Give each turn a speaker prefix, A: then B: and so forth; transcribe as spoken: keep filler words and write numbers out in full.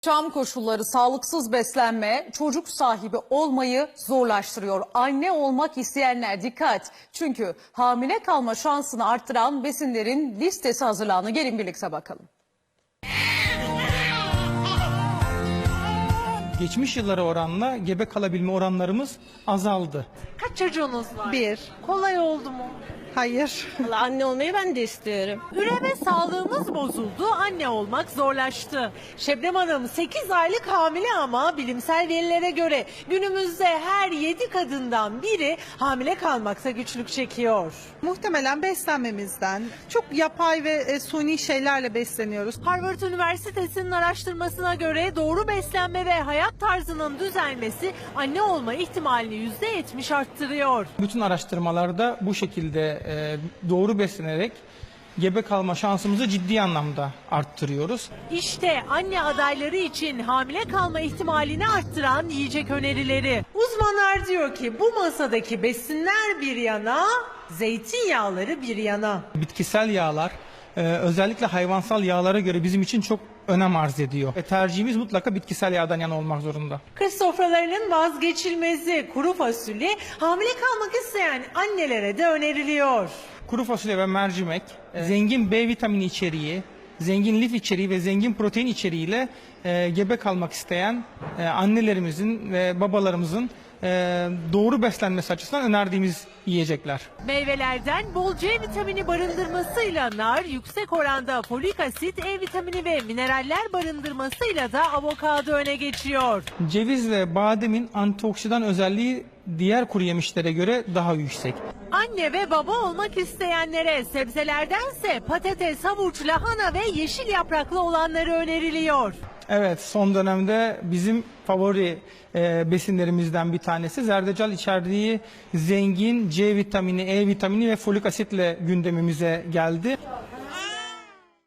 A: Yaşam koşulları, sağlıksız beslenme çocuk sahibi olmayı zorlaştırıyor. Anne olmak isteyenler dikkat. Çünkü hamile kalma şansını arttıran besinlerin listesi hazırlandı. Gelin birlikte bakalım.
B: Geçmiş yıllara oranla gebe kalabilme oranlarımız azaldı.
C: Kaç çocuğunuz var?
D: Bir.
C: Kolay oldu mu?
D: Hayır.
E: Vallahi anne olmayı ben de istiyorum.
C: Üreme sağlığımız bozuldu, anne olmak zorlaştı. Şebnem Hanım sekiz aylık hamile ama bilimsel verilere göre günümüzde her yedi kadından biri hamile kalmakta güçlük çekiyor.
D: Muhtemelen beslenmemizden çok yapay ve e, suni şeylerle besleniyoruz.
C: Harvard Üniversitesi'nin araştırmasına göre doğru beslenme ve hayat tarzının düzelmesi anne olma ihtimalini yüzde yetmiş arttırıyor.
B: Bütün araştırmalarda bu şekilde e, doğru beslenerek gebe kalma şansımızı ciddi anlamda arttırıyoruz.
C: İşte anne adayları için hamile kalma ihtimalini arttıran yiyecek önerileri. Uzmanlar diyor ki bu masadaki besinler bir yana, zeytinyağları bir yana.
B: Bitkisel yağlar e, özellikle hayvansal yağlara göre bizim için çok önem arz ediyor. Ve tercihimiz mutlaka bitkisel yağdan yana olmak zorunda.
C: Kış sofralarının vazgeçilmezi kuru fasulye hamile kalmak isteyen annelere de öneriliyor.
B: Kuru fasulye ve mercimek zengin B vitamini içeriği, zengin lif içeriği ve zengin protein içeriğiyle e, gebe kalmak isteyen e, annelerimizin ve babalarımızın e, doğru beslenmesi açısından önerdiğimiz yiyecekler.
C: Meyvelerden bol C vitamini barındırmasıyla nar, yüksek oranda folik asit, E vitamini ve mineraller barındırmasıyla da avokado öne geçiyor.
B: Ceviz ve bademin antioksidan özelliği diğer kuru yemişlere göre daha yüksek.
C: Anne ve baba olmak isteyenlere sebzelerdense patates, havuç, lahana ve yeşil yapraklı olanları öneriliyor.
B: Evet, son dönemde bizim favori e, besinlerimizden bir tanesi zerdeçal içerdiği zengin C vitamini, E vitamini ve folik asitle gündemimize geldi.